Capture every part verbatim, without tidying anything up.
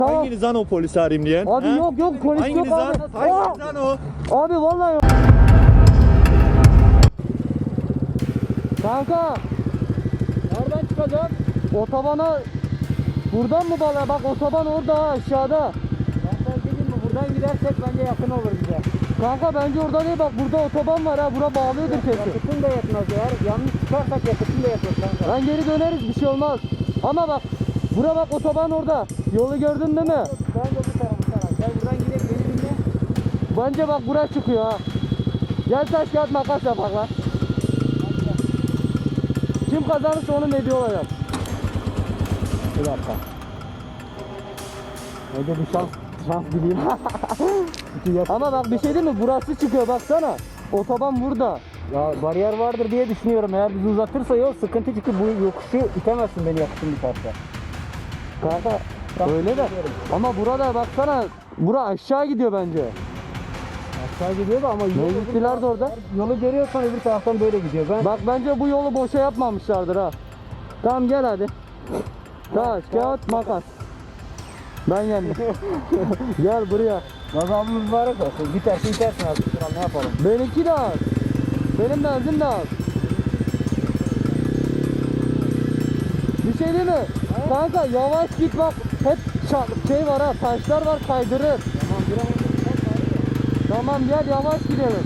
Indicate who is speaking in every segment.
Speaker 1: Tamam.
Speaker 2: Hanginiz lan o polisi arayayım diyen?
Speaker 1: Abi
Speaker 2: he?
Speaker 1: yok yok polis
Speaker 2: Hanginiz
Speaker 1: yok
Speaker 2: lan?
Speaker 1: abi.
Speaker 2: Hanginiz lan o?
Speaker 1: Abi vallahi yok. Kanka. Nereden çıkacak? Otobana. Buradan mı bala? Bak otoban orada ha, aşağıda. Ben sana dedim mi? Buradan gidersek bence yakın olur bize. Kanka bence orada değil, bak burada otoban var ha. Bura bağlıyordur kesin. Yakıtın da yetmez ya. Yanlış çıkarsak yakıtın da yetmez kanka. Ben geri döneriz, bir şey olmaz. Ama bak bura bak otoban orada. Yolu gördün değil mi? Bence bu tarafı sana. Gel buradan gidelim, beni dinle. Bence bak buraya çıkıyor ha. Gel taş kağıt makas yapak lan. Kim kazanırsa onun hediye olacak. Bir dakika. Önce bir şans, şans bileyim. Ama bak bir şey değil mi? Burası çıkıyor baksana. Otoban burada. Ya bariyer vardır diye düşünüyorum. Eğer bizi uzatırsa yol sıkıntı, çünkü bu yokuşu itemezsin beni yakışın bir parça. Kanka öyle de. Ama burada baksana. Bura aşağı gidiyor bence. Aşağı gidiyor da ama yolu gittiler de orada. Yolu görüyorsan öbür taraftan böyle gidiyor. Ben... Bak bence bu yolu boşa yapmamışlardır ha. Tamam gel hadi. Taş, kağıt, makas. Ben yendim. Gel buraya. Gazabımız mübarek olsun. Bitersin bitersin abi. Şuran ne yapalım? Benimki de az. Benim benzin de az. Bir şey değil mi? He? Kanka yavaş git bak. Hep şey var ha, taşlar var, kaydırır. Tamam biraz. Tamam gel yavaş gidelim.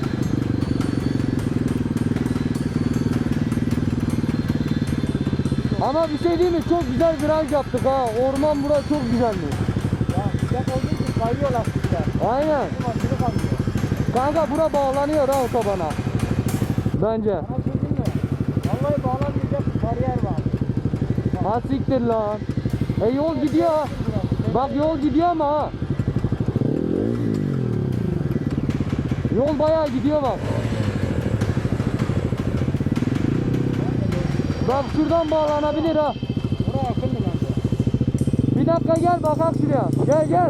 Speaker 1: Ama bir şey değil mi? Çok güzel viraj yaptık ha. Orman burası çok güzelmiş. Ya sıcak olduğu için kayıyor lastikler. Aynen. Kanka bura bağlanıyor ha otobana. Bence. Ama şey değil mi? Vallahi bağlanmayacak bariyer var. Ha siktir lan. E yol gidiyor ha. Bak yol gidiyor ama ha. Yol bayağı gidiyor bak. Bak şuradan bağlanabilir ha. Buraya yakın mı bence? Bir dakika gel bakak şuraya. Gel gel.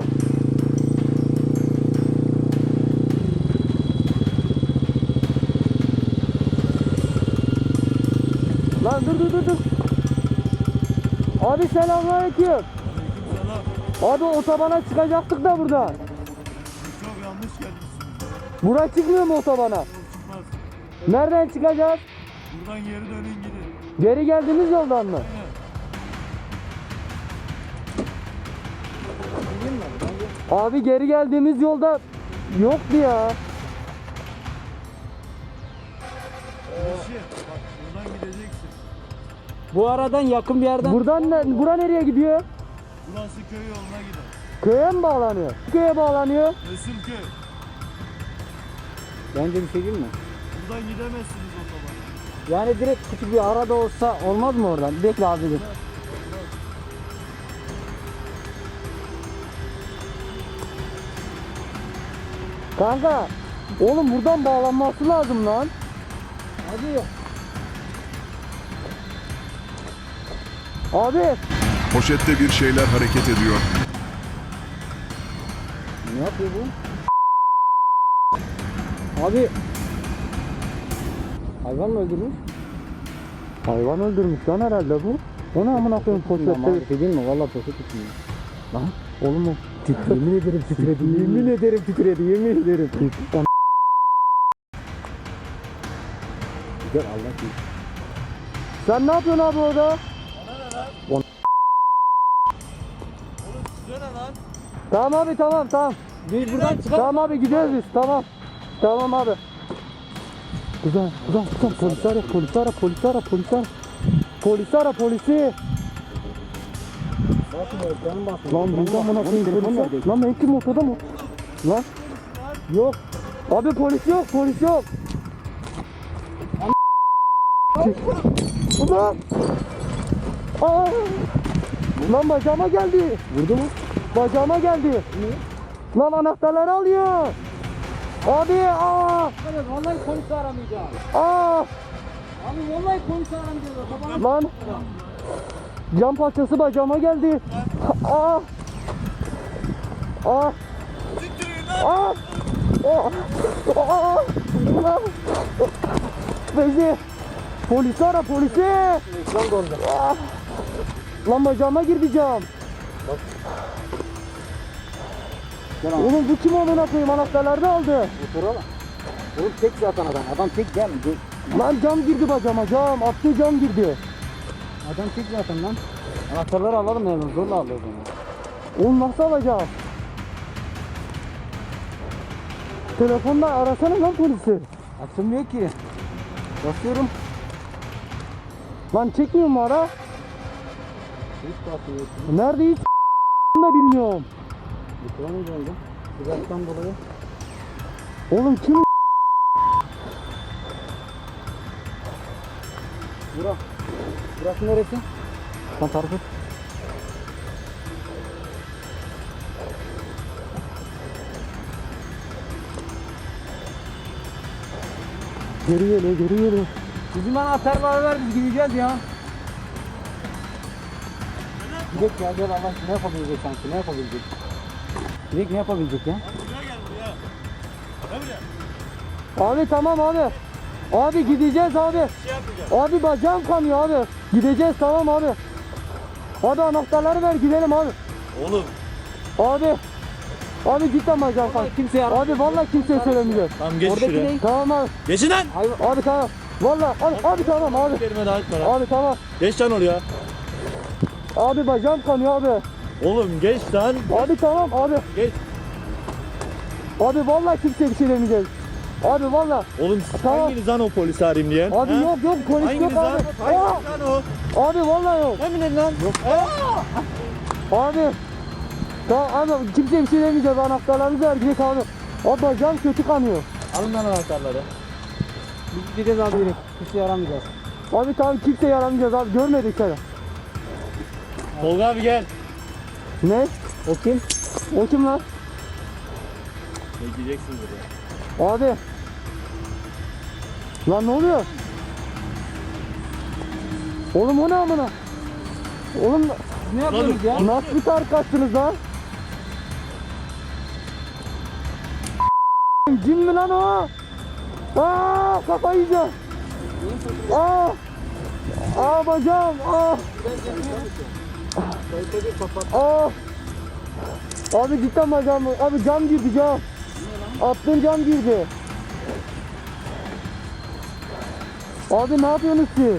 Speaker 1: Lan dur dur dur dur. Abi selamünaleyküm.
Speaker 2: Aleykümselam.
Speaker 1: Abi otobana çıkacaktık da burada.
Speaker 2: Siz çok yanlış gelmişsiniz.
Speaker 1: Buraya çıkmıyor mu otobana?
Speaker 2: Yol çıkmaz.
Speaker 1: Nereden çıkacağız?
Speaker 2: Buradan geri dönün gidin.
Speaker 1: Geri geldiğimiz yoldan mı?
Speaker 2: Aynen.
Speaker 1: Abi geri geldiğimiz yolda yoktu ya.
Speaker 2: Eşi, bak buradan gideceksin.
Speaker 3: Bu aradan yakın bir yerden.
Speaker 1: Buradan ne, bura nereye gidiyor?
Speaker 2: Burası köy yoluna gider.
Speaker 1: Köye mi bağlanıyor? Köye bağlanıyor.
Speaker 2: Resulköy.
Speaker 3: Bence bir şey değil mi?
Speaker 2: Buradan gidemezsiniz otobana.
Speaker 3: Yani direkt küçük bir arada olsa olmaz mı oradan? Bekle abi dur.
Speaker 1: Kanka, oğlum buradan bağlanması lazım lan.
Speaker 3: Hadi.
Speaker 1: Abi,
Speaker 4: Poşette bir şeyler hareket ediyor.
Speaker 3: Ne yapıyor bu? Abi. Hayvan mı öldürmüş?
Speaker 1: hayvan öldürmüş lan herhalde bu. O ne amına koyayım
Speaker 3: Ama
Speaker 1: poşette?
Speaker 3: bir şey değil mi? Valla poşet içmiyor.
Speaker 1: Lan, oğlum o.
Speaker 3: Yemin ederim titredi. Yemin ederim titredi. Yemin ederim. Güzel Allah bilir.
Speaker 1: Sen ne yapıyorsun abi orada?
Speaker 2: Size ne lan?
Speaker 1: Tamam abi tamam tamam.
Speaker 3: Biz buradan çıkalım.
Speaker 1: Tamam abi gidiyoruz biz tamam. Tamam abi. Güzel güzel güzel polis ara polis ara polis ara polis ara. Polis ara polisi. Lan buradan bana koyayım polis ara. Lan ben kim ortada mı? Lan. Yok. Abi polis yok polis yok. Ulan. Aa. Lan bacağıma geldi.
Speaker 3: Vurdu mu?
Speaker 1: Bacağıma geldi. Lan anahtarları alıyor. Abi aa.
Speaker 3: Vallahi polisi aramayacağım.
Speaker 1: Aa.
Speaker 3: Abi vallahi polisi aramayacağım.
Speaker 1: Lan. Cam parçası bacağıma geldi. Aa. Aa. Aa. Aa. Aa. Aa. Bezi. Polisi ara polisi.
Speaker 3: Lan orada.
Speaker 1: Aa. Lan bacağıma girdi cam.
Speaker 3: Gel abi.
Speaker 1: Oğlum bu kim amına koyayım, anahtarları da aldı.
Speaker 3: Otur oğlum. Oğlum tek zaten adam. Adam tek gel. Gel.
Speaker 1: Lan cam girdi bacama, cam. Attığı cam girdi.
Speaker 3: Adam tek zaten lan. Anahtarları alalım yani. Zorla alıyoruz onu.
Speaker 1: Oğlum nasıl alacağız? Telefonla arasana lan polisi.
Speaker 3: Açılmıyor ki. Basıyorum.
Speaker 1: Lan çekmiyor mu ara?
Speaker 3: Hiç basmıyor.
Speaker 1: Nerede hiç da bilmiyorum.
Speaker 3: Yıkılamayız oldu. Sıcaktan dolayı.
Speaker 1: Oğlum kim?
Speaker 3: Bura. Burası neresi? Sen tarif et.
Speaker 1: Geri geliyor, geri geliyor.
Speaker 3: Bizim anahtarları ver, biz gideceğiz ya. Gidelim ya, gel Allah ne yapabilecek sanki, ne yapabilecek? Gidelim ne yapabilecek ya?
Speaker 2: Buraya gel buraya. Gel buraya.
Speaker 1: Abi tamam abi. Abi gideceğiz abi.
Speaker 2: Bir şey yapmayacağım.
Speaker 1: Abi bacağım kanıyor abi. Gideceğiz tamam abi. Abi anahtarları ver gidelim abi.
Speaker 2: Oğlum.
Speaker 1: Abi. Abi cidden bacağım kanıyor.
Speaker 3: Kimse yardım.
Speaker 1: Abi vallahi kimseye söylemeyeceğim.
Speaker 2: Tamam geç
Speaker 3: Oradaki
Speaker 2: şuraya.
Speaker 3: ne?
Speaker 1: Tamam abi.
Speaker 2: Geçin lan.
Speaker 1: Abi tamam. Vallahi abi, abi tamam abi.
Speaker 2: Kelime daha etme lan.
Speaker 1: Abi tamam.
Speaker 2: Geç lan oraya.
Speaker 1: Abi bacağım kanıyor abi.
Speaker 2: Oğlum geç lan.
Speaker 1: Abi tamam abi.
Speaker 2: Geç.
Speaker 1: Abi vallahi kimseye bir şey demeyeceğiz. Abi vallahi.
Speaker 2: Oğlum siz
Speaker 1: Tamam.
Speaker 2: hanginiz lan o polisi arayayım diyen?
Speaker 1: Abi
Speaker 2: Ha?
Speaker 1: yok yok polis
Speaker 2: Hanginiz
Speaker 1: yok
Speaker 2: lan?
Speaker 1: abi.
Speaker 2: Hanginiz
Speaker 1: Aa!
Speaker 2: lan o?
Speaker 1: Abi vallahi yok.
Speaker 2: Emin lan. Yok.
Speaker 1: Abi. Tamam abi kimseye bir şey demeyeceğiz. Anahtarlarınızı ver gidelim abi. Abi bacağım kötü kanıyor.
Speaker 2: Alın lan anahtarları.
Speaker 3: Biz gideceğiz abi direkt. Kimse yaramayacağız.
Speaker 1: Abi tamam kimseye yaramayacağız abi. Görmedik seni.
Speaker 2: Tolga abi gel.
Speaker 1: Ne?
Speaker 3: O kim?
Speaker 1: O kim lan?
Speaker 2: Bekleyeceksin buraya.
Speaker 1: Abi. Lan ne oluyor? Oğlum o ne amına? Oğlum
Speaker 3: Ne yapıyoruz ya?
Speaker 1: nasıl bir tarikatsınız lan? Cin mi lan o? Aa kafayı yiyeceğim. Aa. Aa bacağım. Aa. Aa. Abi cidden bacağım. Abi cam girdi cam. Attığın cam girdi. Abi ne yapıyorsunuz siz?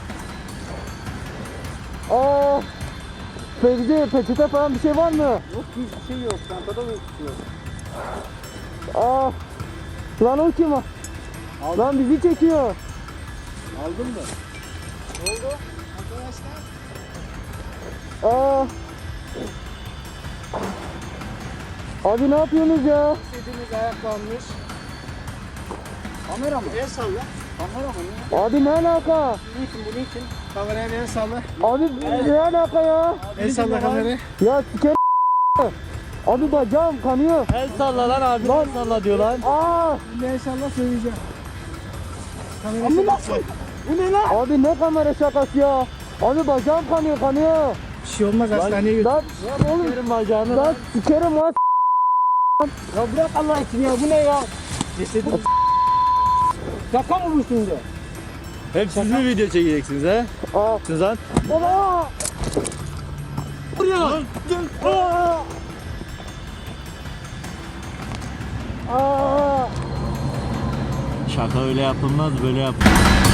Speaker 1: Aa. Fevzi peçete falan bir şey var mı?
Speaker 3: Yok hiçbir şey yok. Çantada da hiçbir şey yok.
Speaker 1: Aa. Lan o kim o? Lan bizi çekiyor.
Speaker 3: Aldın mı? Ne oldu?
Speaker 1: Aa. Abi ne yapıyorsunuz ya?
Speaker 3: İstediğimiz ayaklanmış. Kamera mı? El salla. Kamera mı? Ne?
Speaker 1: Abi ne alaka?
Speaker 3: Niçin bu niçin? Kameraya el salla.
Speaker 1: Abi ne alaka ya?
Speaker 3: El salla kamerayı.
Speaker 1: Ya siker. Abi bacağım kanıyor.
Speaker 2: El salla lan abi.
Speaker 1: Lan.
Speaker 2: El salla diyor lan.
Speaker 1: Aa.
Speaker 3: El salla söyleyeceğim. Kamerayı salla. Bu ne lan?
Speaker 1: Abi ne kamera şakası ya? Abi bacağım kanıyor kanıyor.
Speaker 3: Bir şey olmaz hastaneye götür.
Speaker 1: Lan oğlum
Speaker 2: Yerim bacağını
Speaker 1: lan
Speaker 2: lan.
Speaker 1: sikerim lan.
Speaker 3: Ya bırak Allah için ya bu ne ya?
Speaker 2: Cesedin.
Speaker 3: Şaka mı bu şimdi?
Speaker 2: Hep siz mi video çekeceksiniz he?
Speaker 1: Aa.
Speaker 2: Siz lan.
Speaker 1: Baba.
Speaker 2: Buraya.
Speaker 1: Aa. Aa.
Speaker 2: Şaka öyle yapılmaz böyle yapılmaz.